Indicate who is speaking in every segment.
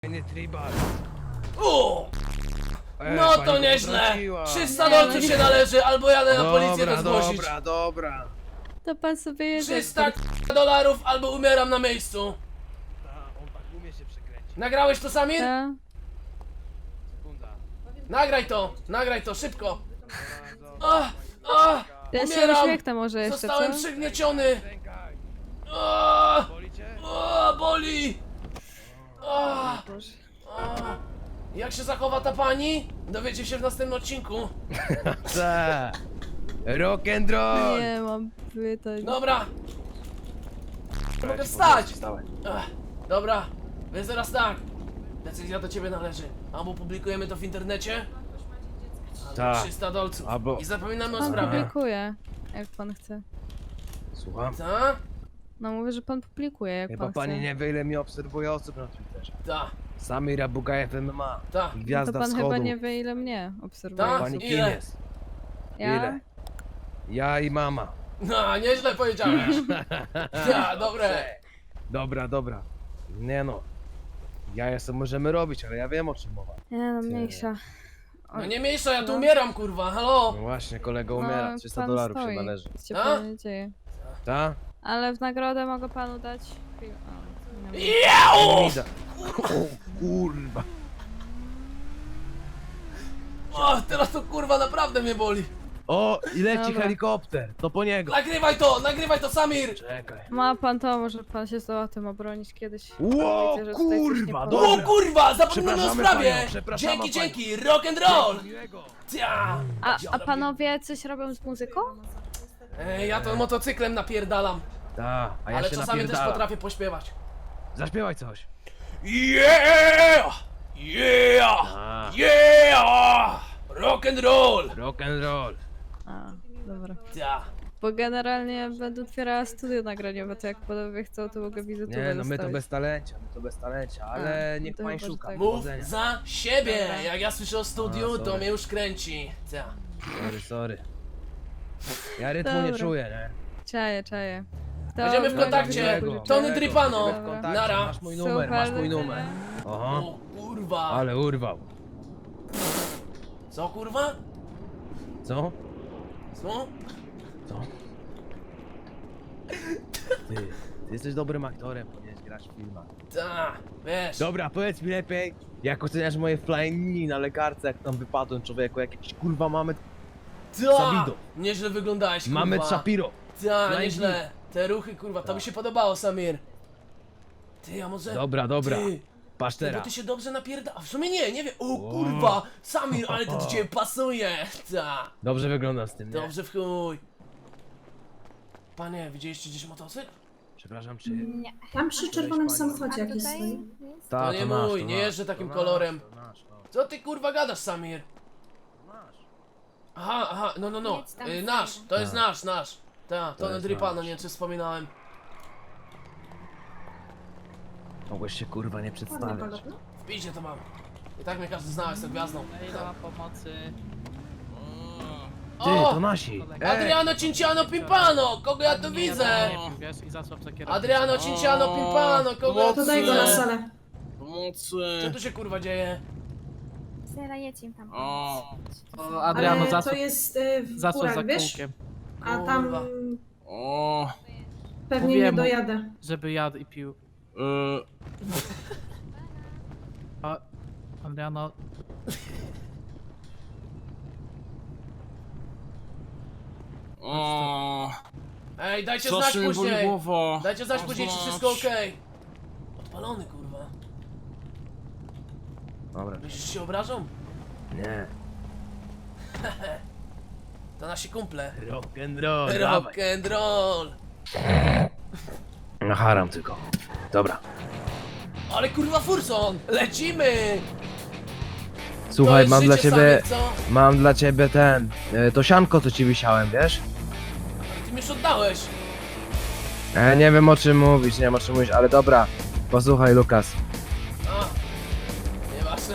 Speaker 1: Tribal.
Speaker 2: No to nieźle! 300 dolców się należy, albo jadę na policję to zgłosić.
Speaker 1: Dobra.
Speaker 3: To pan sobie jedzie.
Speaker 2: 300 dolarów, albo umieram na miejscu.
Speaker 1: On tak umie się przekręcić.
Speaker 2: Nagrałeś to, Samir?
Speaker 3: Ta.
Speaker 1: Sekunda.
Speaker 2: Nagraj to, szybko.
Speaker 3: Ja się
Speaker 2: Umieram.
Speaker 3: uśmiechnę może jeszcze,
Speaker 2: Zostałem
Speaker 3: co?
Speaker 2: przygnieciony.
Speaker 1: Rękaj.
Speaker 2: A,
Speaker 1: Boli cię?
Speaker 2: boli.
Speaker 3: Boże.
Speaker 2: Jak się zachowa ta pani? Dowiecie się w następnym odcinku.
Speaker 1: Co? Rock and roll!
Speaker 3: Nie mam pytań.
Speaker 2: Dobra. Mogę wstać. Dobra, więc teraz tak. Decyzja do ciebie należy. Albo publikujemy to w internecie, albo
Speaker 1: Tak.
Speaker 2: 300 dolców.
Speaker 1: Albo-
Speaker 2: I zapominamy o
Speaker 3: Pan
Speaker 2: sprawie.
Speaker 3: publikuje, jak pan chce.
Speaker 1: Słucham?
Speaker 2: Ta?
Speaker 3: No mówię, że pan publikuje, jak
Speaker 1: Chyba
Speaker 3: pan
Speaker 1: pani
Speaker 3: chce.
Speaker 1: nie wie, ile mnie obserwuje osób na Twitterze.
Speaker 2: Ta,
Speaker 1: Samir Abugajew MMA.
Speaker 2: ta.
Speaker 3: No to
Speaker 1: Gwiazda
Speaker 3: pan
Speaker 1: wschodu.
Speaker 3: chyba nie wie, ile mnie obserwuje.
Speaker 2: Tak?
Speaker 1: Pani kim
Speaker 2: Ile?
Speaker 1: jest?
Speaker 3: Ja?
Speaker 1: Ile? Ja i mama.
Speaker 2: No, nieźle powiedziałeś. Ta, dobre.
Speaker 1: Dobra. Nie no. Ja sobie możemy robić, ale ja wiem o czym mowa.
Speaker 3: Nie no, mniejsza.
Speaker 2: No nie mniejsza, ja tu umieram, kurwa, halo.
Speaker 1: No właśnie, kolego umiera. 300 dolarów się należy.
Speaker 3: Nic się
Speaker 2: A?
Speaker 3: panu nie dzieje.
Speaker 1: Ta?
Speaker 3: Ale w nagrodę mogę panu dać... O, nie wiem.
Speaker 2: Jau!
Speaker 1: Mida. O kurwa.
Speaker 2: O, teraz to kurwa naprawdę mnie boli.
Speaker 1: O, i leci
Speaker 3: Dobra.
Speaker 1: helikopter. To po niego.
Speaker 2: Nagrywaj to, Samir.
Speaker 1: Czekaj.
Speaker 3: Ma pan to, może pan się zdoła tym obronić kiedyś.
Speaker 1: Ło,
Speaker 3: Wiecie, że tutaj coś nie
Speaker 1: kurwa,
Speaker 3: podoba.
Speaker 2: O
Speaker 1: dobra.
Speaker 2: kurwa, zapominamy o
Speaker 1: Przepraszamy
Speaker 2: sprawie.
Speaker 1: panią, przepraszamy
Speaker 2: Dzięki, rock and roll.
Speaker 1: Miłego.
Speaker 2: Ta.
Speaker 3: A panowie coś robią z muzyką?
Speaker 2: Ja to motocyklem napierdalam,
Speaker 1: Ta, a ja
Speaker 2: ale
Speaker 1: się
Speaker 2: czasami też
Speaker 1: napierdalam.
Speaker 2: potrafię pośpiewać.
Speaker 1: Zaśpiewaj coś.
Speaker 2: Yeah!
Speaker 1: A.
Speaker 2: Rock and roll!
Speaker 1: Rock and roll.
Speaker 3: A, dobra.
Speaker 2: Ta.
Speaker 3: Bo generalnie będę otwierała studio nagraniowe, to jak panowie chcą, to mogę wizytówkę
Speaker 1: Nie, no my to
Speaker 3: dostawić.
Speaker 1: bez talencia, ale
Speaker 3: A,
Speaker 1: niech
Speaker 3: to
Speaker 1: pani
Speaker 3: chyba, że
Speaker 1: szuka.
Speaker 3: tak.
Speaker 2: Mów
Speaker 1: Powodzenia.
Speaker 2: za siebie!
Speaker 3: Dobra.
Speaker 2: Jak ja słyszę o studiu,
Speaker 1: A,
Speaker 2: to
Speaker 1: sorry.
Speaker 2: mnie już kręci. Ta.
Speaker 1: Sorry. Ja rytmu nie
Speaker 3: Dobra.
Speaker 1: czuję, nie?
Speaker 3: Czaję. To
Speaker 2: Będziemy w kontakcie.
Speaker 1: Miłego,
Speaker 2: Tony
Speaker 1: miłego.
Speaker 2: Dripano.
Speaker 1: Będziemy w kontakcie.
Speaker 2: Nara.
Speaker 1: Masz mój numer, masz mój numer. Oho,
Speaker 2: O kurwa.
Speaker 1: ale urwał.
Speaker 2: Co kurwa?
Speaker 1: Co?
Speaker 2: Co?
Speaker 1: Co? Ty jesteś dobrym aktorem, powinieneś grać w filmach.
Speaker 2: Ta. Wiesz.
Speaker 1: Dobra, powiedz mi lepiej, jak oceniasz moje flying na lekarce, jak tam wypadłem, człowieku, jakieś kurwa mamy...
Speaker 2: Ta.
Speaker 1: Sabido.
Speaker 2: Nieźle wyglądałeś, kurwa.
Speaker 1: Mamy Shapiro.
Speaker 2: Ta,
Speaker 1: Flying
Speaker 2: nieźle. Te ruchy, kurwa, to mi się podobało, Samir. Ty, a może...
Speaker 1: Dobra.
Speaker 2: Ty,
Speaker 1: Patrz
Speaker 2: ty, bo
Speaker 1: teraz.
Speaker 2: ty się dobrze napierda... A w sumie nie wiem. O kurwa, Samir, ale to do ciebie pasuje. Ta.
Speaker 1: Dobrze wyglądam z tym, nie?
Speaker 2: Dobrze w chuj. Panie, widzieliście gdzieś motocykl?
Speaker 1: Przepraszam, czy...
Speaker 4: Tam przy czerwonym samochodzie jakiś
Speaker 5: tutaj?
Speaker 4: stoi.
Speaker 1: Ta,
Speaker 2: To nie
Speaker 1: nasz,
Speaker 2: mój, nie
Speaker 1: nasz,
Speaker 2: jeżdżę takim
Speaker 1: to
Speaker 2: kolorem.
Speaker 1: Nasz, to nasz, to
Speaker 2: Co ty kurwa gadasz, Samir?
Speaker 1: nasz.
Speaker 2: Aha, no.
Speaker 5: Jedź tam
Speaker 2: Nasz,
Speaker 5: sobie.
Speaker 2: to jest nasz. Ta, to
Speaker 1: jest
Speaker 2: Dripano,
Speaker 1: nasz.
Speaker 2: nie wiem czy wspominałem.
Speaker 1: Mogłeś się kurwa nie
Speaker 4: Ładny
Speaker 1: przedstawiać.
Speaker 4: kolor, no.
Speaker 2: W piździe to mam. I tak mnie każdy zna, jestem gwiazdą.
Speaker 6: Ile ma pomocy?
Speaker 1: Ty,
Speaker 2: O!
Speaker 1: to nasi!
Speaker 2: Adriano Cinciano Pimpano! Kogo ja tu widzę?
Speaker 6: Nie wiem, wiesz, i zasłab za kierownicę.
Speaker 2: Adriano Cinciano Pimpano! Kogo ja
Speaker 4: To
Speaker 2: tu
Speaker 4: daj go na
Speaker 2: widzę?
Speaker 4: salę.
Speaker 2: Co tu się kurwa dzieje?
Speaker 5: Zera, jedź im tam.
Speaker 6: O,
Speaker 4: Ale
Speaker 6: Adriano,
Speaker 4: to
Speaker 6: zasłab,
Speaker 4: jest w
Speaker 6: zasłab za
Speaker 4: górach, wiesz?
Speaker 6: kółkiem.
Speaker 4: A tam
Speaker 2: Kurwa.
Speaker 6: O,
Speaker 4: pewnie
Speaker 6: Mówiłem
Speaker 4: nie
Speaker 6: mu.
Speaker 4: dojadę.
Speaker 6: żeby jadł i pił. A, Adriano...
Speaker 2: Ej, dajcie
Speaker 7: Co
Speaker 2: znać
Speaker 7: się mi boli
Speaker 2: później!
Speaker 7: głowa?
Speaker 2: Dajcie znać później, czy wszystko okej. Odpalony kurwa.
Speaker 1: Dobra.
Speaker 2: Myślisz, że się obrażą?
Speaker 1: Nie.
Speaker 2: To nasi kumple.
Speaker 1: Rock and roll, dawaj.
Speaker 2: Rock and roll!
Speaker 1: Na haram tylko. Dobra.
Speaker 2: Ale kurwa Furson! Lecimy!
Speaker 1: Słuchaj,
Speaker 2: To
Speaker 1: mam
Speaker 2: jest
Speaker 1: dla
Speaker 2: życie,
Speaker 1: ciebie...
Speaker 2: Samir, co?
Speaker 1: Mam dla ciebie to sianko, co ci wisiałem, wiesz?
Speaker 2: Ty mi już oddałeś.
Speaker 1: Nie wiem o czym mówisz, nie wiem o czym mówisz, ale dobra. Posłuchaj, Lukas.
Speaker 2: A, nieważne.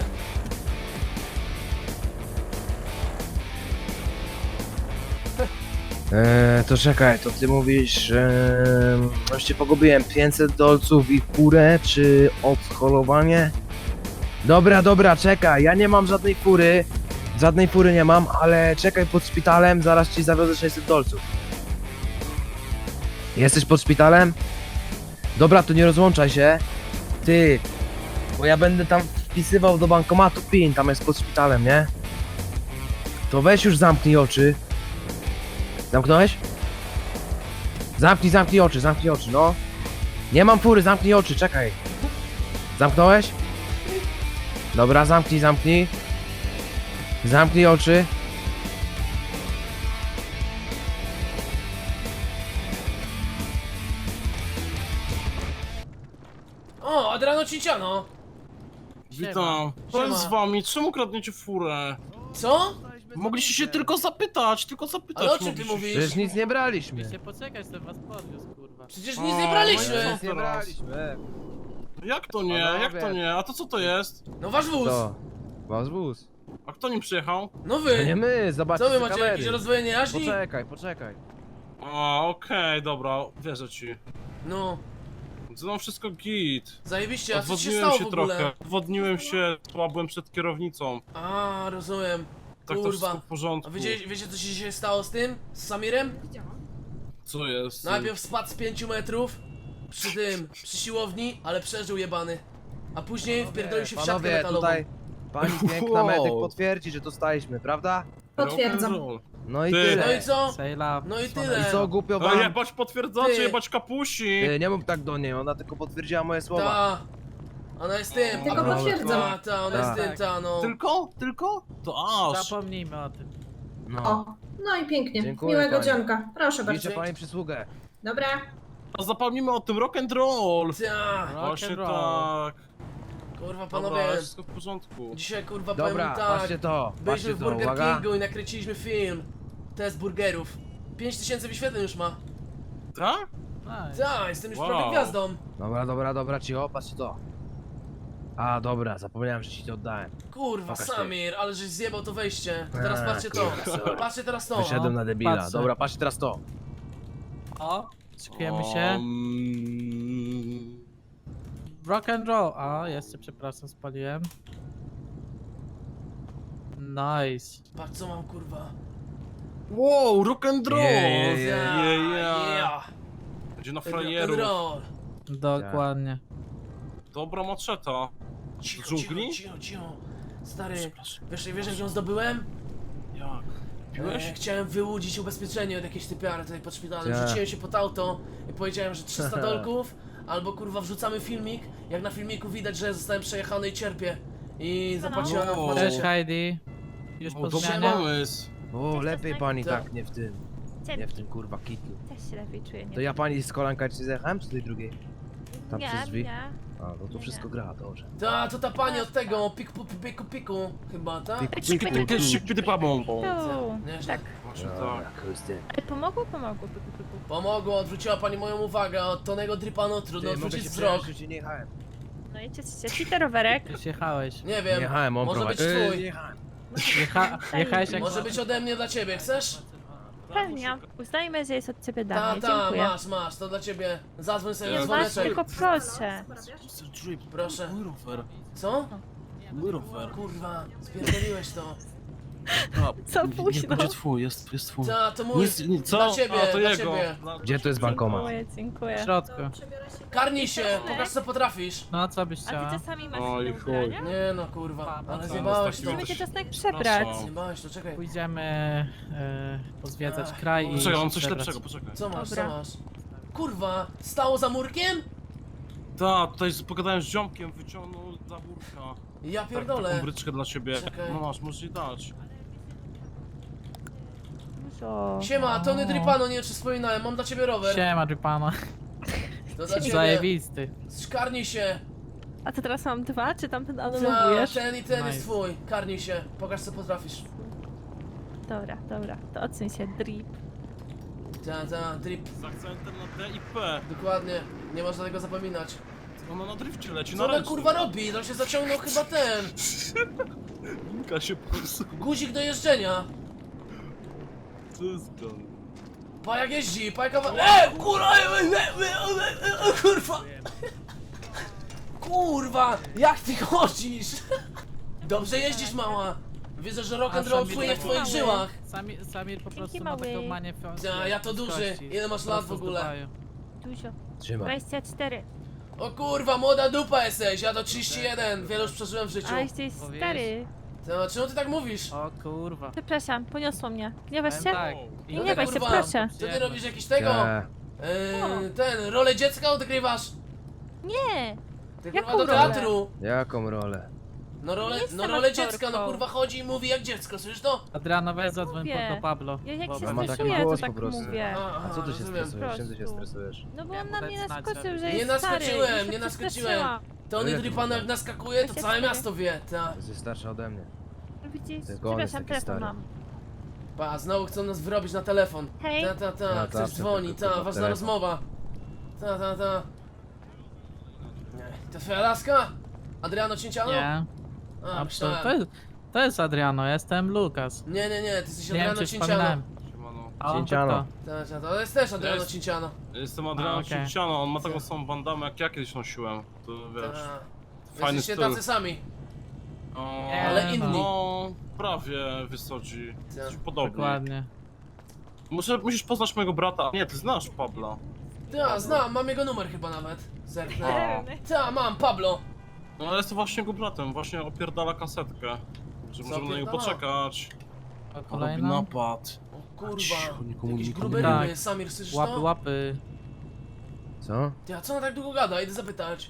Speaker 1: To czekaj, to ty mówisz, już cię pogubiłem, 500 dolców i kurę, czy odholowanie? Dobra, czekaj, ja nie mam żadnej fury. Żadnej fury nie mam, ale czekaj pod szpitalem, zaraz ci zawiozę 600 dolców. Jesteś pod szpitalem? Dobra, to nie rozłączaj się. Ty, bo ja będę tam wpisywał do bankomatu PIN, tam jest pod szpitalem, nie? To weź już zamknij oczy. Zamknąłeś? Zamknij oczy, no. Nie mam fury, zamknij oczy, czekaj. Zamknąłeś? Dobra, zamknij. Zamknij oczy.
Speaker 2: O, Adriano Cinciano!
Speaker 7: Witam. Co
Speaker 2: Siema.
Speaker 7: jest z wami? Czemu kradniecie furę?
Speaker 2: Co?
Speaker 7: Mogliście się tylko zapytać,
Speaker 2: Ale o czym ty
Speaker 7: mogliście.
Speaker 2: mówisz?
Speaker 1: Przecież nic nie braliśmy.
Speaker 6: Musicie poczekać, to was podwiózł, kurwa.
Speaker 2: Przecież nic nie
Speaker 7: O,
Speaker 2: braliśmy!
Speaker 7: no
Speaker 1: Nic nie braliśmy.
Speaker 7: Jak to nie? Jak to nie? A to co to jest?
Speaker 2: No wasz wóz!
Speaker 1: To. Wasz wóz.
Speaker 7: A kto nim przyjechał?
Speaker 2: No
Speaker 1: To
Speaker 2: wy!
Speaker 1: nie my, zobaczcie
Speaker 2: Co wy
Speaker 1: z
Speaker 2: macie,
Speaker 1: kamery.
Speaker 2: jakieś rozdwojenie jaźni?
Speaker 1: Poczekaj.
Speaker 7: A, okej, dobra, wierzę ci.
Speaker 2: No,
Speaker 7: No wszystko git.
Speaker 2: zajebiście, a co ci się
Speaker 7: Odwodniłem
Speaker 2: stało
Speaker 7: się
Speaker 2: w ogóle?
Speaker 7: trochę. Odwodniłem się, słabłem przed kierownicą.
Speaker 2: A, rozumiem.
Speaker 7: Tak to wszystko
Speaker 2: Kurwa.
Speaker 7: w porządku.
Speaker 2: A wiecie co się dzisiaj stało z tym? Z Samirem?
Speaker 7: Co jest?
Speaker 2: Najpierw spadł z 5 metrów przy siłowni, ale przeżył jebany. A później wpierdolił się w siatkę
Speaker 1: Panowie,
Speaker 2: metalową.
Speaker 1: tutaj pani piękna
Speaker 7: Wow.
Speaker 1: medyk potwierdzi, że dostaliśmy, prawda?
Speaker 4: Potwierdzam.
Speaker 7: Rock'n'roll.
Speaker 1: No i
Speaker 7: Ty.
Speaker 1: tyle.
Speaker 2: No i co?
Speaker 6: Say love.
Speaker 2: No i
Speaker 6: Słone.
Speaker 2: tyle.
Speaker 1: I co, głupio
Speaker 7: No
Speaker 1: wam?
Speaker 7: jebać potwierdzacie,
Speaker 2: Ty.
Speaker 7: jebać kapusi!
Speaker 1: Ty, nie mów tak do niej, ona tylko potwierdziła moje słowa.
Speaker 2: Ta. Ona jest tym.
Speaker 4: Tylko
Speaker 2: a-
Speaker 4: potwierdzam.
Speaker 2: Ta, ona jest
Speaker 1: Tak.
Speaker 2: tym, ta, no.
Speaker 7: Tylko? To aż.
Speaker 6: Zapomnijmy o tym.
Speaker 1: No.
Speaker 4: O, no i pięknie.
Speaker 1: Dziękuję,
Speaker 4: Miłego
Speaker 1: pani.
Speaker 4: dzionka. Proszę bardzo.
Speaker 1: Liczę pani przysługę.
Speaker 4: Dobra.
Speaker 7: A zapomnijmy o tym rock'n'roll!
Speaker 2: Ta.
Speaker 7: Właśnie
Speaker 6: Rock'n'roll.
Speaker 7: tak.
Speaker 2: Kurwa,
Speaker 7: Dobra,
Speaker 2: panowie.
Speaker 7: wszystko w porządku.
Speaker 2: Dzisiaj kurwa
Speaker 1: Dobra,
Speaker 2: powiem tak.
Speaker 1: patrzcie to,
Speaker 2: Byliśmy
Speaker 1: patrzcie
Speaker 2: w
Speaker 1: to,
Speaker 2: Burger
Speaker 1: uwaga.
Speaker 2: Kingu i nakręciliśmy film. Test burgerów. 5000 wyświetleń już ma.
Speaker 7: Tak?
Speaker 6: Nice.
Speaker 2: Tak, jestem już
Speaker 7: Wow.
Speaker 2: prawie gwiazdą.
Speaker 1: Dobra, cicho, patrzcie to. A, dobra, zapomniałem, że ci to oddałem.
Speaker 2: Kurwa,
Speaker 1: Pokaż ty.
Speaker 2: Samir, ale żeś zjebał to wejście. To teraz
Speaker 1: A,
Speaker 2: patrzcie to.
Speaker 1: kurwa.
Speaker 2: Patrzcie teraz to.
Speaker 1: Wyszedłem na debila.
Speaker 6: patrzę.
Speaker 1: Dobra, patrzcie teraz to.
Speaker 6: O, szykujemy się. Rock and roll. A, jeszcze przepraszam, spaliłem. Nice.
Speaker 2: Patrz co mam kurwa.
Speaker 7: Wow, rock'n'roll!
Speaker 1: Yeah,
Speaker 2: Yeah.
Speaker 7: Będzie na
Speaker 2: Rock and
Speaker 7: frajerów.
Speaker 2: roll.
Speaker 6: Dokładnie.
Speaker 7: Dobra maczeta.
Speaker 2: Cicho,
Speaker 7: Z dżungli?
Speaker 2: cicho. Stary,
Speaker 7: Przepraszam.
Speaker 2: wiesz jak ją zdobyłem?
Speaker 7: Jak? Piłeś?
Speaker 2: Chciałem wyłudzić ubezpieczenie od jakiejś typiary tutaj pod szpitalem.
Speaker 1: Tak.
Speaker 2: Rzuciłem się pod auto i powiedziałem, że 300 dolków, albo kurwa wrzucamy filmik. Jak na filmiku widać, że zostałem przejechany i cierpię. I zapłaciłem
Speaker 7: No.
Speaker 2: w
Speaker 6: Cześć
Speaker 2: maczecie.
Speaker 6: Heidi. Już
Speaker 7: O,
Speaker 6: po
Speaker 7: dobry
Speaker 6: zmianie.
Speaker 7: pomysł.
Speaker 1: O, lepiej pani
Speaker 2: Tak.
Speaker 1: tak, nie w tym. Nie w tym kurwa kitlu.
Speaker 5: Też się lepiej czuję, nie?
Speaker 1: To ja pani z kolanka ci zjechałem, czy tej drugiej? Tam
Speaker 5: nie,
Speaker 1: przez drzwi?
Speaker 5: nie.
Speaker 1: A, no to wszystko gra, dobrze.
Speaker 2: To ta pani od tego, piku, chyba, tak?
Speaker 7: Szybki babą.
Speaker 5: Tu.
Speaker 2: Nieźle.
Speaker 5: Tak.
Speaker 7: Właśnie
Speaker 1: Dobra,
Speaker 7: tak.
Speaker 1: chusty.
Speaker 5: Ale pomogło? Pomogło. Pyku, pyku.
Speaker 2: Pomogło, odwróciła pani moją uwagę od Tonego Dripano, trudno
Speaker 1: Ty, mogę
Speaker 2: odwrócić
Speaker 1: się
Speaker 2: wzrok.
Speaker 1: przejeżdżać, czy nie jechałem?
Speaker 5: No i ci to rowerek.
Speaker 6: Już jechałeś.
Speaker 2: Nie
Speaker 1: Nie
Speaker 2: wiem,
Speaker 1: jechałem, on
Speaker 2: może
Speaker 1: prowadzi.
Speaker 2: być
Speaker 1: Nie
Speaker 2: twój.
Speaker 1: jechałem.
Speaker 6: Jechałeś jak...
Speaker 2: Może być ode mnie dla ciebie, chcesz?
Speaker 5: Pewnie. Uznajmy, że jest od ciebie dane.
Speaker 2: Ta,
Speaker 5: Dziękuję.
Speaker 2: masz, to dla ciebie. Zadzwoń sobie na
Speaker 5: Nie masz,
Speaker 2: dzwoneczek.
Speaker 5: tylko proszę.
Speaker 7: Mr. Drip,
Speaker 2: Proszę.
Speaker 7: mój rower.
Speaker 2: Co?
Speaker 7: Mój rower.
Speaker 2: Kurwa, spierdoliłeś to.
Speaker 5: Co późno?
Speaker 7: Będzie twój, jest twój.
Speaker 2: Ta, to mój.
Speaker 7: Co?
Speaker 2: Dla ciebie,
Speaker 7: A, to
Speaker 2: dla
Speaker 7: jego.
Speaker 2: ciebie.
Speaker 1: Gdzie to jest bankomat?
Speaker 5: Dziękuję, dziękuję.
Speaker 6: W środku.
Speaker 2: Karnij się, pokaż co potrafisz.
Speaker 6: No, co byś
Speaker 5: A
Speaker 6: chciała?
Speaker 5: ty czasami masz
Speaker 7: Oj,
Speaker 5: inne
Speaker 7: chuj.
Speaker 5: ubrania?
Speaker 2: Nie no, kurwa, ale
Speaker 7: co?
Speaker 2: zjebałeś to.
Speaker 5: Musimy cię czasem przebrać.
Speaker 2: Zjebałeś to, czekaj.
Speaker 6: Pójdziemy pozwiedzać
Speaker 2: Ach,
Speaker 6: kraj i
Speaker 7: Poczekaj, mam
Speaker 6: się
Speaker 7: coś
Speaker 6: przebrać.
Speaker 7: lepszego, poczekaj.
Speaker 2: Co masz,
Speaker 5: Dobra.
Speaker 2: co masz? Kurwa, stało za murkiem?
Speaker 7: Tak, tutaj pogadałem z ziomkiem, wyciągnął za burka.
Speaker 2: Ja
Speaker 7: Tak,
Speaker 2: pierdolę.
Speaker 7: taką bryczkę dla ciebie.
Speaker 2: Czekaj.
Speaker 7: No masz, możesz jej dać.
Speaker 5: Dużo.
Speaker 2: Siema, Tony Dripano, nie wiem czy wspominałem, mam dla ciebie rower.
Speaker 6: Siema, Dripana.
Speaker 2: To dla ciebie.
Speaker 6: Zajebisty.
Speaker 2: Karnij się.
Speaker 5: A to teraz mam dwa, czy tamten
Speaker 2: Ta,
Speaker 5: anulujesz?
Speaker 2: ten i ten
Speaker 6: Nice.
Speaker 2: jest twój. Karnij się, pokaż co potrafisz.
Speaker 5: Dobra, to odsuń się, drip.
Speaker 2: Ta, drip.
Speaker 7: Z akcentem na D i P.
Speaker 2: Dokładnie, nie można tego zapominać.
Speaker 7: Ona na drifcie leci,
Speaker 2: Co
Speaker 7: na
Speaker 2: ona
Speaker 7: ręcznym.
Speaker 2: kurwa robi? To się zaciągnął chyba ten.
Speaker 7: Linka się po prostu.
Speaker 2: Guzik do jeżdżenia.
Speaker 7: Co jest gun?
Speaker 2: Pa jak jeździ, pa jaka... kurwa! Kurwa! Kurwa, jak ty chodzisz? Dobrze jeździsz, mała. Widzę, że rock and roll
Speaker 6: Samir
Speaker 2: płynie w
Speaker 6: taki
Speaker 2: twoich
Speaker 5: mały.
Speaker 2: żyłach.
Speaker 6: Samir po prostu
Speaker 5: Dzięki,
Speaker 6: ma taką
Speaker 5: mały.
Speaker 6: manię
Speaker 2: Ja to duży. Ile masz lat w ogóle?
Speaker 5: Dużo.
Speaker 1: Trzymaj.
Speaker 5: 24.
Speaker 2: O kurwa, młoda dupa jesteś, ja do 31. Wiele już przeżyłem w życiu.
Speaker 5: A jesteś
Speaker 6: Powiesz.
Speaker 5: stary.
Speaker 2: To, czemu ty tak mówisz?
Speaker 6: O kurwa.
Speaker 5: Przepraszam, poniosło mnie. Gniewasz się?
Speaker 6: Tak.
Speaker 5: Nie gniewaj się,
Speaker 2: kurwa,
Speaker 5: proszę.
Speaker 2: Co ty robisz jakiś tego?
Speaker 1: Nie.
Speaker 2: Ten, rolę dziecka odgrywasz?
Speaker 5: Nie.
Speaker 2: Ty
Speaker 5: Jaką
Speaker 2: kurwa do
Speaker 5: rolę?
Speaker 2: teatru.
Speaker 1: Jaką rolę?
Speaker 2: No rolę,
Speaker 5: Nie jestem
Speaker 2: no rolę
Speaker 5: aktorką.
Speaker 2: dziecka, no kurwa chodzi i mówi jak dziecko, słyszysz to?
Speaker 6: Adriano, weź zadzwoń
Speaker 5: Mówię.
Speaker 6: do Pablo.
Speaker 5: Ja jak się
Speaker 6: Dobra.
Speaker 1: ma taki
Speaker 5: stresuję, to
Speaker 1: głos
Speaker 5: tak
Speaker 1: po prostu.
Speaker 5: mówię.
Speaker 1: A co ty się
Speaker 2: rozumiem.
Speaker 1: stresujesz? Czym ty się
Speaker 5: prostu.
Speaker 1: stresujesz?
Speaker 5: No bo
Speaker 6: Ja
Speaker 5: on na
Speaker 6: mu
Speaker 5: mnie
Speaker 6: dać znać,
Speaker 5: naskoczył,
Speaker 6: żeby-
Speaker 5: że
Speaker 2: Nie
Speaker 5: jest stary.
Speaker 2: naskoczyłem,
Speaker 5: Już się
Speaker 2: nie naskoczyłem.
Speaker 5: przestraszyłam.
Speaker 2: To on
Speaker 1: Ile
Speaker 2: jeżeli
Speaker 1: ty
Speaker 2: pan
Speaker 1: masz
Speaker 2: jak
Speaker 1: lat?
Speaker 2: naskakuje, to
Speaker 5: 24.
Speaker 2: całe miasto wie, ta.
Speaker 1: Jesteś starsza ode mnie.
Speaker 5: Widzisz?
Speaker 1: Tylko on jest
Speaker 5: Przepraszam,
Speaker 1: taki
Speaker 5: telefon
Speaker 1: stary.
Speaker 5: mam.
Speaker 2: Pa, znowu chcą nas wyrobić na telefon.
Speaker 5: Hej.
Speaker 2: Ta,
Speaker 1: Ja
Speaker 2: ktoś
Speaker 1: zawsze
Speaker 2: dzwoni,
Speaker 1: tylko,
Speaker 2: ta,
Speaker 1: kurwa,
Speaker 2: ważna
Speaker 1: telefon.
Speaker 2: rozmowa. Ta. Nie, to twoja laska? Adriano Cięciano?
Speaker 6: Nie.
Speaker 2: A,
Speaker 6: A,
Speaker 2: myślałem.
Speaker 6: to jest Adriano, ja jestem Lukas.
Speaker 2: Nie, ty jesteś
Speaker 6: Nie wiem,
Speaker 2: Adriano
Speaker 6: czy
Speaker 2: Cięciano.
Speaker 6: wspominałem.
Speaker 7: Siemano.
Speaker 6: A on
Speaker 1: Cięciano.
Speaker 6: to
Speaker 2: To jest też Adriano
Speaker 7: Jest.
Speaker 2: Cięciano.
Speaker 7: Jestem Adriano
Speaker 6: okej.
Speaker 7: Cinciano, on ma taką samą bandamę jak ja kiedyś nosiłem. To wiesz.
Speaker 2: Fajny
Speaker 7: Fajny
Speaker 2: Jesteście
Speaker 7: styl.
Speaker 2: tacy sami.
Speaker 7: O,
Speaker 2: Ale inni.
Speaker 7: No, prawie wysodzi.
Speaker 2: Tak.
Speaker 7: Jesteś podobny.
Speaker 6: Dokładnie.
Speaker 7: Musisz poznać mojego brata. Nie, ty znasz Pabla.
Speaker 2: Znam, mam jego numer chyba nawet. Zerknę.
Speaker 7: O.
Speaker 2: Mam, Pablo.
Speaker 7: No ale jestem właśnie jego bratem, właśnie opierdala kasetkę. Że
Speaker 2: Co
Speaker 7: możemy na niego
Speaker 2: opierdala?
Speaker 7: poczekać.
Speaker 6: A
Speaker 7: Robi
Speaker 6: kolejna?
Speaker 7: napad.
Speaker 2: O kurwa.
Speaker 1: Cicho, nikomu
Speaker 2: Jakieś
Speaker 1: nikomu
Speaker 2: grube
Speaker 6: nie.
Speaker 2: ryby, Samir, słyszysz
Speaker 6: Łapy,
Speaker 2: to?
Speaker 6: łapy.
Speaker 1: Co?
Speaker 2: Ty, a co ona tak długo gada? Idę zapytać.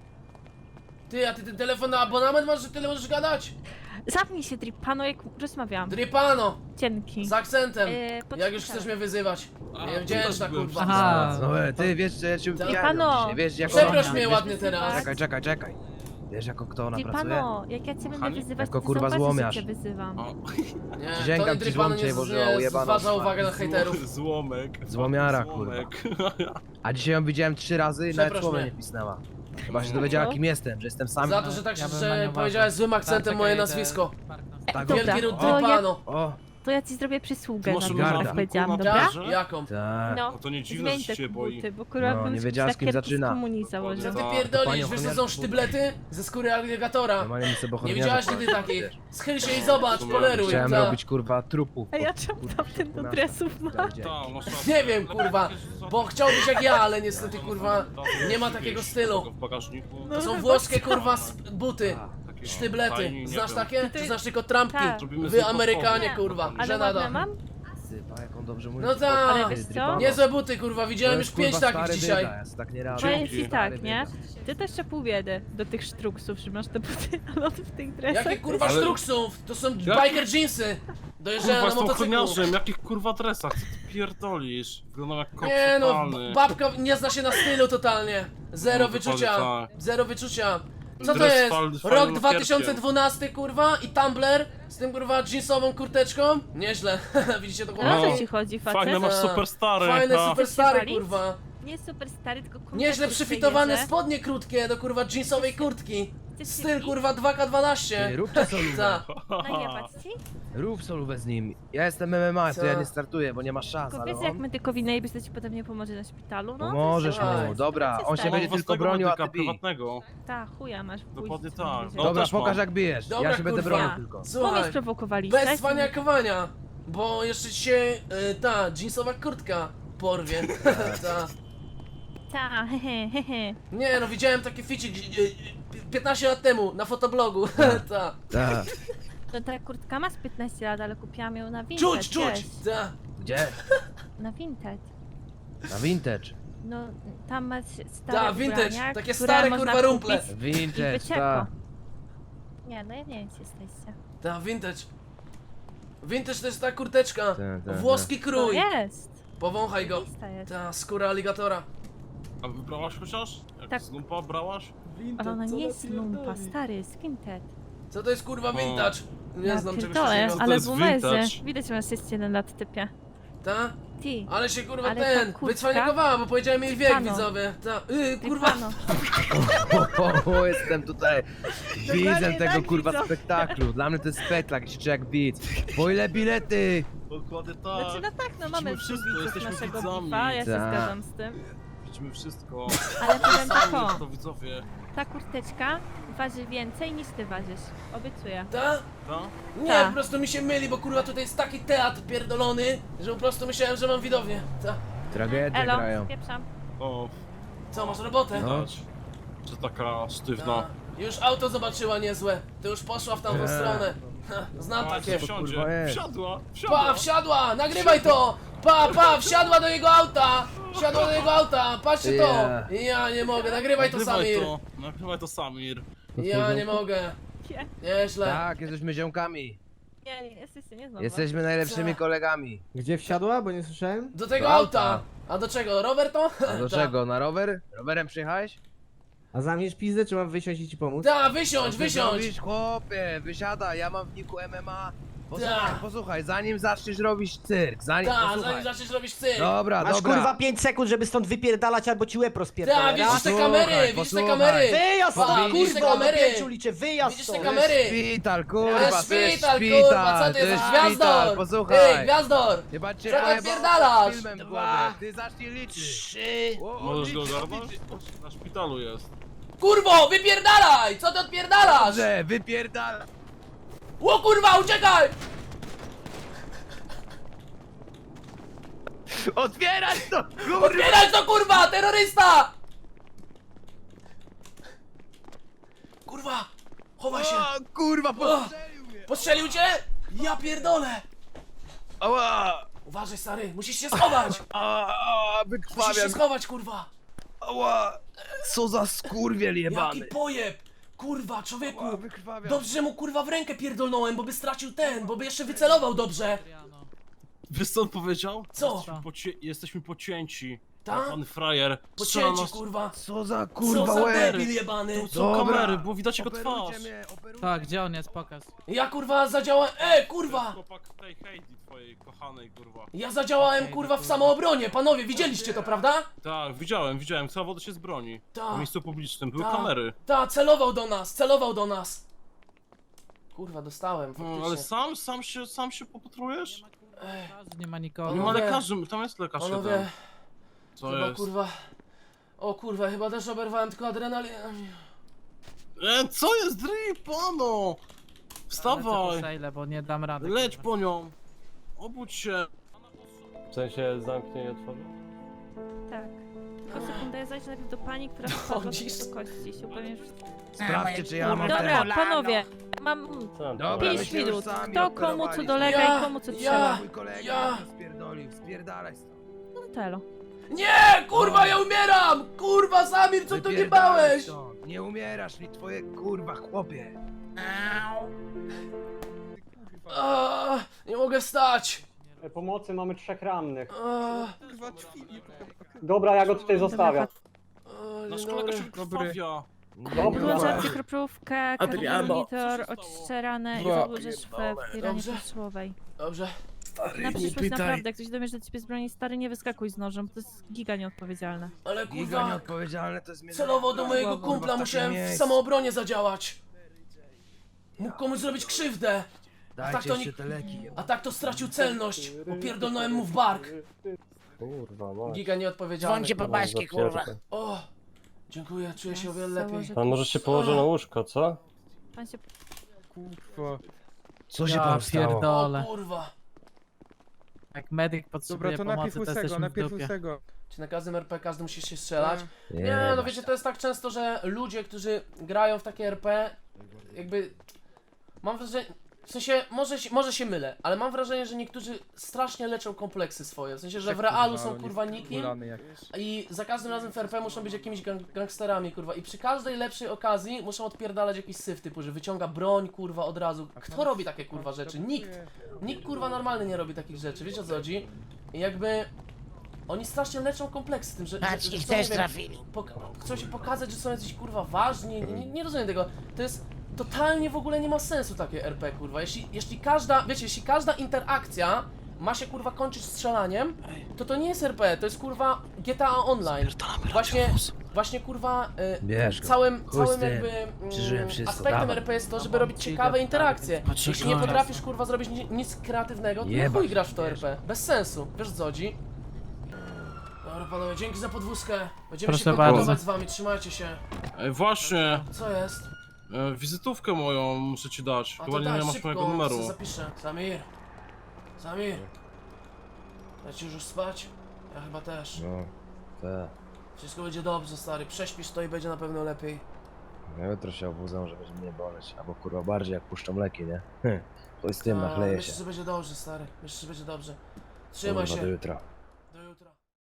Speaker 2: Ty, a ty ten telefon na abonament masz, że tyle możesz gadać?
Speaker 5: Zapnij się, Dripano, jak rozmawiam.
Speaker 2: Dripano,
Speaker 5: Dzięki.
Speaker 2: z akcentem.
Speaker 5: pod
Speaker 2: Jak już
Speaker 5: szpitalem.
Speaker 2: chcesz mnie wyzywać.
Speaker 7: A,
Speaker 2: Niewdzięczna
Speaker 7: też byłem
Speaker 2: kurwa.
Speaker 6: Aha.
Speaker 1: No ty wiesz, że ja cię
Speaker 2: Tak.
Speaker 1: upijaram
Speaker 5: Pano.
Speaker 1: dzisiaj, wiesz jak
Speaker 2: Przeproś
Speaker 1: ona-
Speaker 2: mnie
Speaker 1: wiesz-
Speaker 2: ładnie teraz.
Speaker 1: Czekaj. Wiesz jako kto ona pracuje?
Speaker 5: Dripano, jak ja cię będę
Speaker 7: Kochani?
Speaker 5: wyzywać,
Speaker 1: Jako
Speaker 5: to
Speaker 1: kurwa
Speaker 5: zobaczysz,
Speaker 1: złomiarz.
Speaker 5: że cię wyzywam.
Speaker 7: O,
Speaker 2: Nie,
Speaker 1: Przysięgam
Speaker 2: to
Speaker 1: ci,
Speaker 2: Dripano
Speaker 1: złom cię,
Speaker 2: nie,
Speaker 1: Boże,
Speaker 2: nie
Speaker 1: ujebana
Speaker 2: zważa
Speaker 1: szmata.
Speaker 2: uwagę na hejterów.
Speaker 7: Złomek.
Speaker 1: Złomiara,
Speaker 7: Złomek.
Speaker 1: A dzisiaj ją widziałem 3 razy i nawet
Speaker 2: Przeproś
Speaker 1: słowa
Speaker 2: mnie.
Speaker 1: nie pisnęła. Chyba się dowiedziała
Speaker 5: No.
Speaker 1: kim jestem, że jestem sam.
Speaker 2: Za to, że tak
Speaker 6: Ja bym na
Speaker 2: że
Speaker 6: nie
Speaker 2: powiedziałeś
Speaker 6: uważał.
Speaker 2: złym akcentem
Speaker 6: Tak,
Speaker 2: moje
Speaker 6: czekaj,
Speaker 2: nazwisko.
Speaker 1: Tak,
Speaker 5: Dobra,
Speaker 2: Wielki ród
Speaker 5: to ja,
Speaker 2: Dripano.
Speaker 1: O,
Speaker 5: to ja ci zrobię przysługę
Speaker 7: Ty
Speaker 5: na
Speaker 7: masz
Speaker 5: to,
Speaker 1: garda.
Speaker 5: jak powiedziałam,
Speaker 7: Na
Speaker 5: dobra?
Speaker 7: plaży?
Speaker 2: Jaką?
Speaker 1: tak.
Speaker 5: No,
Speaker 7: No to nie dziwne,
Speaker 5: zmień
Speaker 7: że
Speaker 5: te
Speaker 7: cię boi.
Speaker 5: buty, bo kurwa
Speaker 1: No,
Speaker 5: bym
Speaker 1: nie wiedziała, z kim
Speaker 5: szlakierki
Speaker 1: zaczyna.
Speaker 5: komunii
Speaker 2: Co
Speaker 5: założył.
Speaker 2: ty
Speaker 7: No,
Speaker 2: pierdolisz?
Speaker 1: panią
Speaker 2: Wiesz co
Speaker 1: ochroniarz
Speaker 2: są
Speaker 1: był.
Speaker 2: sztyblety? Ze skóry aligatora.
Speaker 1: Normalnie mi sobie
Speaker 2: Nie
Speaker 1: ochroniarza
Speaker 2: widziałaś
Speaker 1: powiedział,
Speaker 2: nigdy takiej?
Speaker 1: wiesz.
Speaker 2: Schyl się i zobacz,
Speaker 7: Chciałem
Speaker 2: poleruj.
Speaker 1: Chciałem
Speaker 2: ta.
Speaker 1: robić kurwa trupów.
Speaker 5: A ja
Speaker 1: pod-
Speaker 5: czemu
Speaker 1: kurwa,
Speaker 5: tamten do
Speaker 1: na-
Speaker 5: dresów ma?
Speaker 1: tak, gdzie?
Speaker 7: Tak, masz rację.
Speaker 2: Nie wiem, kurwa, bo chciał być jak ja, ale niestety,
Speaker 7: No,
Speaker 2: kurwa,
Speaker 7: no,
Speaker 2: nie ma
Speaker 7: wiesz,
Speaker 2: takiego
Speaker 7: tego
Speaker 2: stylu.
Speaker 7: w bagażniku.
Speaker 2: To są włoskie, kurwa, buty.
Speaker 7: Takie
Speaker 2: Sztyblety.
Speaker 7: fajni, nie
Speaker 2: Znasz
Speaker 7: wiem.
Speaker 2: takie? Czy znasz tylko trampki?
Speaker 5: Tak.
Speaker 7: Zrobimy z
Speaker 2: Wy
Speaker 7: nich
Speaker 2: Amerykanie,
Speaker 7: potwory.
Speaker 2: kurwa,
Speaker 5: Ale
Speaker 2: żenada.
Speaker 5: ładne mam?
Speaker 1: Sypa, jak on dobrze mówi.
Speaker 2: No tak.
Speaker 5: Ale wiesz co?
Speaker 2: Niezłe buty, kurwa, widziałem już 5 takich
Speaker 1: stary
Speaker 2: dzisiaj.
Speaker 1: Bieda, ja sobie tak nie radzę.
Speaker 5: Powiem ci
Speaker 7: Dzięki.
Speaker 5: tak, nie? Ty też trzeba pół biedy do tych sztruksów, że masz te buty, ale on w tych dresach.
Speaker 2: Jakie kurwa
Speaker 7: Ale-
Speaker 2: sztruksów? To są
Speaker 7: Jak-
Speaker 2: biker jeansy. Dojeżdżają
Speaker 7: Kurwa,
Speaker 2: na
Speaker 7: jestem
Speaker 2: motocyklu.
Speaker 7: ochroniarzem, jakich kurwa dresach, co ty pierdolisz? Wyglądam jak kot
Speaker 2: Nie no,
Speaker 7: totalny.
Speaker 2: babka nie zna się na stylu totalnie. Zero
Speaker 7: No, dokładnie
Speaker 2: wyczucia.
Speaker 7: tak.
Speaker 2: Zero wyczucia. Co to
Speaker 7: Dres
Speaker 2: jest?
Speaker 7: fajnym
Speaker 2: Rok
Speaker 7: lakierkiem.
Speaker 2: 2012 kurwa i Tumblr z tym kurwa jeansową kurteczką? Nieźle. Widzicie to
Speaker 5: A
Speaker 2: kurwa?
Speaker 5: o co
Speaker 7: No.
Speaker 5: ci chodzi, facet?
Speaker 7: Fajne masz
Speaker 2: Tak.
Speaker 7: super stary.
Speaker 2: Fajne
Speaker 7: ha.
Speaker 2: super stary
Speaker 5: walić?
Speaker 2: kurwa.
Speaker 5: Nie super stary, tylko kurwa.
Speaker 2: Nieźle
Speaker 5: kurczę
Speaker 2: przyfitowane
Speaker 5: jeżdżę.
Speaker 2: spodnie krótkie do kurwa jeansowej kurtki.
Speaker 5: Chcesz się
Speaker 2: Styl
Speaker 5: bić?
Speaker 2: kurwa
Speaker 1: Ty,
Speaker 2: 2K12.
Speaker 1: rób to solówę.
Speaker 2: Ta.
Speaker 5: Najebać ci?
Speaker 1: Rób solówę z nim. Ja jestem MMA,
Speaker 2: Co?
Speaker 1: to ja nie startuję, bo nie ma szans,
Speaker 5: Tylko
Speaker 1: ale
Speaker 5: wiesz, jak
Speaker 1: on...
Speaker 5: medykowi najebiesz, to ci potem nie pomoże na szpitalu, no?
Speaker 1: Pomożesz
Speaker 2: Słuchaj.
Speaker 1: mu, dobra, on się
Speaker 5: Mam
Speaker 1: będzie tylko bronił, a ty bij.
Speaker 7: prywatnego.
Speaker 5: Ta, chuja masz w
Speaker 7: Dokładnie
Speaker 5: buzi,
Speaker 7: tak.
Speaker 5: co
Speaker 7: No,
Speaker 1: Dobra,
Speaker 7: też mam.
Speaker 1: pokaż jak bijesz,
Speaker 2: Dobra,
Speaker 1: ja się będę
Speaker 2: kurwa.
Speaker 1: bronił tylko.
Speaker 5: Bo mnie
Speaker 2: Słuchaj.
Speaker 5: sprowokowaliście.
Speaker 2: Bez cwaniakowania, bo jeszcze ci się ta jeansowa kurtka porwie. Ta.
Speaker 5: Ta, hehe.
Speaker 2: Nie no, widziałem taki ficik 15 lat temu na fotoblogu. Ta.
Speaker 1: Tak,
Speaker 5: No ta kurtka ma z 15 lat, ale kupiłam ją na Vinted,
Speaker 2: Czuć!
Speaker 5: wiesz.
Speaker 2: Ta.
Speaker 1: gdzie?
Speaker 5: Na Vinted.
Speaker 1: Na vintage.
Speaker 5: No, tam masz stare
Speaker 2: Ta, vintage,
Speaker 5: ubrania,
Speaker 2: takie
Speaker 5: które
Speaker 2: stare,
Speaker 5: można
Speaker 2: kurwa, rumple.
Speaker 5: kupić I
Speaker 1: Vintage,
Speaker 5: wycieko.
Speaker 1: tak.
Speaker 5: Nie, no ja nie wiem, gdzie jesteście.
Speaker 2: Ta, vintage. Vintage to jest ta kurteczka.
Speaker 1: Ta,
Speaker 2: Włoski
Speaker 5: To
Speaker 2: krój.
Speaker 5: jest.
Speaker 2: Powąchaj go.
Speaker 5: Lista jest.
Speaker 2: Ta, skóra aligatora.
Speaker 7: A wybrałaś chociaż? Jak
Speaker 5: Tak.
Speaker 7: z lumpa brałaś?
Speaker 5: Ale ona nie jest lumpa, stary, jest Vinted.
Speaker 2: Co to jest kurwa vintage? Nie
Speaker 5: Ja
Speaker 2: znam czegoś
Speaker 5: pierdolę,
Speaker 2: takiego.
Speaker 7: Co to
Speaker 5: ale
Speaker 7: jest
Speaker 5: w umerze.
Speaker 7: vintage?
Speaker 5: Widać, że masz 61 lat, typie.
Speaker 2: Ta?
Speaker 5: Ty.
Speaker 2: Ale się kurwa
Speaker 5: Ale
Speaker 2: ten,
Speaker 5: ta kurtka-
Speaker 2: wycwaniakowała, bo powiedziałem jej wiek,
Speaker 5: Pano.
Speaker 2: widzowie. Ta, kurwa.
Speaker 5: Pano.
Speaker 1: O, jestem tutaj widzem tego
Speaker 5: tak,
Speaker 1: kurwa
Speaker 5: widzą.
Speaker 1: spektaklu. Dla mnie to jest spektakl, się czuję jak widz. Po ile bilety?
Speaker 7: Dokładnie
Speaker 5: Znaczy,
Speaker 7: tak.
Speaker 5: no tak, no mamy
Speaker 7: wszystko,
Speaker 5: widzów
Speaker 7: jesteśmy
Speaker 5: naszego
Speaker 7: widzami.
Speaker 5: bifa, ja się
Speaker 1: Tak.
Speaker 5: zgadzam z tym.
Speaker 7: widzimy wszystko.
Speaker 5: Ale powiem tak
Speaker 7: Sami
Speaker 5: o,
Speaker 7: to widzowie.
Speaker 5: ta kurteczka waży więcej niż ty ważysz. Obiecuję.
Speaker 2: Ta?
Speaker 7: Ta?
Speaker 2: Nie,
Speaker 5: Ta.
Speaker 2: po prostu mi się myli, bo kurwa tutaj jest taki teatr pierdolony, że po prostu myślałem, że mam widownię. Ta.
Speaker 1: Tragedię
Speaker 5: Elo,
Speaker 1: grają.
Speaker 5: spieprzam.
Speaker 7: O,
Speaker 2: Co, masz robotę?
Speaker 1: No.
Speaker 7: widać. Że taka sztywna.
Speaker 2: Ta. Już auto zobaczyła niezłe. To już poszła w tamtą
Speaker 1: Nie.
Speaker 2: stronę. Ha, znam
Speaker 7: A,
Speaker 2: takie.
Speaker 7: wsiądzie.
Speaker 1: kurwa jest?
Speaker 7: Wsiadła,
Speaker 2: Pa,
Speaker 7: wsiadła.
Speaker 2: wsiadła! Nagrywaj to! Wsiadła do jego auta! Wsiadła do jego auta! Patrzcie to! Ja nie mogę, nagrywaj to, Samir!
Speaker 7: Nagrywaj to, Samir.
Speaker 2: Ja nie mogę.
Speaker 5: Nie,
Speaker 2: Nieźle.
Speaker 1: Tak, jesteśmy ziomkami.
Speaker 5: nie, jesteście nie znowu.
Speaker 1: Jesteśmy najlepszymi
Speaker 2: Co?
Speaker 1: kolegami.
Speaker 8: Gdzie wsiadła? Bo nie słyszałem.
Speaker 2: Do tego
Speaker 1: Do auta.
Speaker 2: auta! A do czego? Rower to?
Speaker 1: A do
Speaker 2: Ta.
Speaker 1: czego? Na rower? Rowerem przyjechałeś?
Speaker 8: A zamkniesz pizdę, czy mam wysiąść i ci pomóc?
Speaker 2: Ta, wysiądź,
Speaker 1: Ty
Speaker 2: wysiądź!
Speaker 1: zrobisz, chłopie, wysiadaj, ja mam w niku MMA. Posłuchaj,
Speaker 2: Tak.
Speaker 1: posłuchaj, zanim zaczniesz robić cyrk, zanim,
Speaker 2: Ta,
Speaker 1: posłuchaj.
Speaker 2: zanim zaczniesz robić cyrk!
Speaker 1: Dobra,
Speaker 8: Masz
Speaker 1: dobra.
Speaker 8: kurwa 5 sekund, żeby stąd wypierdalać albo ci łeb rozpierdolę.
Speaker 2: Ta, widzisz te
Speaker 1: Posłuchaj,
Speaker 2: kamery, widzisz te
Speaker 1: posłuchaj.
Speaker 2: kamery!
Speaker 8: Wyjazd
Speaker 2: Pa,
Speaker 8: stąd,
Speaker 2: widzisz te
Speaker 8: kurwa, do
Speaker 2: kamery?
Speaker 8: 5 liczę, wyjazd
Speaker 2: Widzisz te
Speaker 8: stąd.
Speaker 2: kamery?
Speaker 1: Szpital,
Speaker 2: To jest
Speaker 1: kurwa, to jest
Speaker 2: szpital,
Speaker 1: szpital,
Speaker 2: kurwa, co ty
Speaker 1: to
Speaker 2: jesteś?
Speaker 1: jest
Speaker 2: Gwiazdor!
Speaker 1: szpital,
Speaker 2: Ty,
Speaker 1: posłuchaj.
Speaker 2: Gwiazdor!
Speaker 1: Chyba cię
Speaker 2: Co ty
Speaker 1: pojebało
Speaker 2: odpierdalasz?
Speaker 1: filmem w
Speaker 2: 2,
Speaker 1: głowie. Ty zacznij liczyć.
Speaker 2: 3...
Speaker 7: Możesz go
Speaker 1: odliczy,
Speaker 7: ogarnąć?
Speaker 1: odliczy.
Speaker 7: Na szpitalu jest.
Speaker 2: Kurwo, wypierdalaj! Co ty odpierdalasz?
Speaker 1: Dobrze, wypierdal.
Speaker 2: O kurwa, uciekaj!
Speaker 1: Otwierać to, kurwa.
Speaker 2: Otwierać to kurwa, terrorysta! Kurwa, chowaj się!
Speaker 1: O, kurwa, postrzelił mnie.
Speaker 2: Postrzelił cię? Ja pierdolę!
Speaker 1: Ała,
Speaker 2: Uważaj stary, musisz się schować!
Speaker 1: ała,
Speaker 2: Musisz się
Speaker 1: wykrwawiam.
Speaker 2: schować kurwa!
Speaker 1: Ała, co za skurwiel jebany.
Speaker 2: Jaki pojeb! Kurwa, człowieku!
Speaker 1: Ała, wykrwawiam.
Speaker 2: Dobrze, że mu kurwa w rękę pierdolnąłem, bo by stracił ten, bo by jeszcze wycelował dobrze!
Speaker 7: Wiesz co on powiedział?
Speaker 2: Co?
Speaker 7: Jesteśmy pocięci.
Speaker 2: Ta?
Speaker 7: Pan frajer. Strzela
Speaker 2: Pocięcie
Speaker 7: nas-
Speaker 2: kurwa!
Speaker 1: Co za
Speaker 2: Co
Speaker 1: kurwa
Speaker 2: za
Speaker 1: łeb.
Speaker 2: debil jebany!
Speaker 7: To są
Speaker 1: Dobra.
Speaker 7: kamery, bo widać jego twarz.
Speaker 1: Operujcie mnie, operujcie.
Speaker 6: Tak, gdzie on jest? Pokaż.
Speaker 2: Ja kurwa zadziałałem... kurwa!
Speaker 7: Chłopak tej Heidi, twojej kochanej, kurwa.
Speaker 2: Ja zadziałałem kurwa w samoobronie, panowie, widzieliście to, prawda?
Speaker 7: Tak, widziałem, celował się z broni.
Speaker 2: Tak.
Speaker 7: W miejscu publicznym, były
Speaker 2: Ta.
Speaker 7: kamery.
Speaker 2: Ta, celował do nas! Kurwa, dostałem,
Speaker 7: Ale
Speaker 2: faktycznie.
Speaker 7: sam się popatrujesz?
Speaker 6: Nie ma nikogo.
Speaker 7: Nie ma
Speaker 2: Panowie.
Speaker 7: lekarzy, tam jest lekarz
Speaker 2: Panowie,
Speaker 7: jeden. Co
Speaker 2: chyba
Speaker 7: jest?
Speaker 2: kurwa... O kurwa, chyba też oberwałem tylko adrenalinę.
Speaker 7: Co jest drip, pano? Wstawaj!
Speaker 6: Sejle, bo nie dam rady.
Speaker 7: Leć
Speaker 6: kurwa.
Speaker 7: po nią! Obudź się!
Speaker 9: W sensie zamknie i otworzy?
Speaker 5: Tak. Tylko sekundę, ja zajrzę najpierw do pani, która wpadła
Speaker 2: Chodzisz?
Speaker 5: do kości. Się upewnię, że...
Speaker 1: Sprawdźcie, czy ja mam
Speaker 5: Dobra,
Speaker 1: ten.
Speaker 5: panowie, mam
Speaker 9: Co tam?
Speaker 1: Dobra,
Speaker 5: 5
Speaker 1: myśmy już
Speaker 5: minut.
Speaker 1: sami
Speaker 5: Kto komu co
Speaker 1: operowaliśmy.
Speaker 5: dolega
Speaker 2: Ja-
Speaker 5: i komu co
Speaker 2: ja-
Speaker 5: trzeba.
Speaker 1: Mój kolega
Speaker 2: Ja-
Speaker 1: mnie spierdolił, spierdalaj stąd.
Speaker 5: No telo.
Speaker 2: Nie, kurwa, ja umieram! Kurwa, Samir, co tu nie
Speaker 1: Wypierdalaj
Speaker 2: bałeś?
Speaker 1: stąd. Nie umierasz mi, twoje kurwa chłopie.
Speaker 2: Nie mogę wstać!
Speaker 9: Pomocy mamy 3 rannych.
Speaker 2: A,
Speaker 9: Dobra, ja go tutaj zostawiam.
Speaker 7: Nasz
Speaker 2: dzień
Speaker 7: kolega
Speaker 2: dobry.
Speaker 7: się wykrwawia.
Speaker 5: Włączam krokówkę,
Speaker 2: Adriano.
Speaker 5: monitor, oczyszczę ranę i założysz w firanie
Speaker 2: Dobrze.
Speaker 5: postrzałowej.
Speaker 2: Dobrze.
Speaker 5: Na
Speaker 1: nie
Speaker 5: przyszłość
Speaker 1: pytaj.
Speaker 5: naprawdę, jak ktoś dowie, że ciebie z broni stary, nie wyskakuj z nożem, bo to jest giga nieodpowiedzialne.
Speaker 2: Ale
Speaker 1: Giga
Speaker 2: kurwa,
Speaker 1: nieodpowiedzialne to jest mnie.
Speaker 2: celowo do mojego
Speaker 1: Kurwa,
Speaker 2: kumpla
Speaker 1: w
Speaker 2: musiałem
Speaker 1: takim
Speaker 2: w
Speaker 1: miejscu.
Speaker 2: samoobronie zadziałać. Mógł komuś zrobić krzywdę.
Speaker 1: Dajcie
Speaker 2: tak to
Speaker 1: jeszcze
Speaker 2: nie-
Speaker 1: te leki.
Speaker 2: A tak to stracił celność. Opierdolnąłem mu w bark.
Speaker 9: Kurwa, mać.
Speaker 2: Giga nieodpowiedzialny.
Speaker 9: Dzwońcie po baśki, kurwa.
Speaker 2: O! Dziękuję, czuję się o wiele lepiej.
Speaker 5: Założę-
Speaker 9: Pan może się położy na łóżko, co?
Speaker 5: Pan się...
Speaker 1: Co się
Speaker 6: Ja
Speaker 1: tam stało?
Speaker 2: O
Speaker 6: pierdolę.
Speaker 2: kurwa.
Speaker 6: Jak medyk potrzebuje pomocy, to jesteśmy w dupie.
Speaker 2: Czy na każdym RP każdy musi się strzelać?
Speaker 1: Nie,
Speaker 2: Nie, no
Speaker 1: masz
Speaker 2: wiecie,
Speaker 1: tak.
Speaker 2: to jest tak często, że ludzie, którzy grają w takie RP, jakby... Mam wrażenie... W sensie, może się mylę, ale mam wrażenie, że niektórzy strasznie leczą kompleksy swoje. W sensie, że w realu są kurwa nikim i za każdym razem w RP muszą być jakimiś gangsterami, kurwa. I przy każdej lepszej okazji muszą odpierdalać jakiś syf typu, że wyciąga broń, kurwa, od razu. Kto robi takie kurwa rzeczy? Nikt. Nikt kurwa normalny nie robi takich rzeczy, wiecie o co chodzi? I jakby... Oni strasznie leczą kompleksy tym, że chcą, nie wiem, chcą się pokazać, że są jacyś kurwa ważni, nie rozumiem tego. To jest totalnie w ogóle nie ma sensu takie RP kurwa. Jeśli każda, wiecie, jeśli każda interakcja ma się kurwa kończyć strzelaniem, to nie jest RP, to jest kurwa GTA Online. Właśnie kurwa
Speaker 1: Bierz go.
Speaker 2: całym
Speaker 1: Chuj z tym.
Speaker 2: jakby
Speaker 1: Przeżyłem wszystko,
Speaker 2: aspektem
Speaker 1: dawaj.
Speaker 2: RP jest to, żeby robić ciekawe interakcje. Jeśli nie potrafisz kurwa zrobić nic kreatywnego, to nie
Speaker 1: Jebać,
Speaker 2: chuj grasz w to
Speaker 1: wiesz.
Speaker 2: RP. Bez sensu, wiesz o co chodzi? Dobra panowie, dzięki za podwózkę. Będziemy
Speaker 6: Proszę
Speaker 2: się kontaktować
Speaker 6: bardzo.
Speaker 2: z wami, trzymajcie się.
Speaker 7: Ej, właśnie,
Speaker 2: Co jest?
Speaker 7: wizytówkę moją muszę ci dać.
Speaker 2: A
Speaker 7: Chyba
Speaker 2: to
Speaker 7: nie
Speaker 2: daj,
Speaker 7: masz
Speaker 2: szybko,
Speaker 7: mojego numeru.
Speaker 2: sobie zapiszę. Samir. Samir. Lecisz już spać? Ja chyba też.
Speaker 1: No, tak.
Speaker 2: Wszystko będzie dobrze, stary. Prześpisz to i będzie na pewno lepiej.
Speaker 1: Ja jutro się obudzę, że będzie mnie boleć. Albo kurwa bardziej jak puszczą leki, nie? To z tym
Speaker 2: A,
Speaker 1: nachleję
Speaker 2: myślę,
Speaker 1: się.
Speaker 2: że będzie dobrze, stary. Myślę, że będzie dobrze. Trzymaj
Speaker 1: Kurwa,
Speaker 2: się.
Speaker 1: do jutra.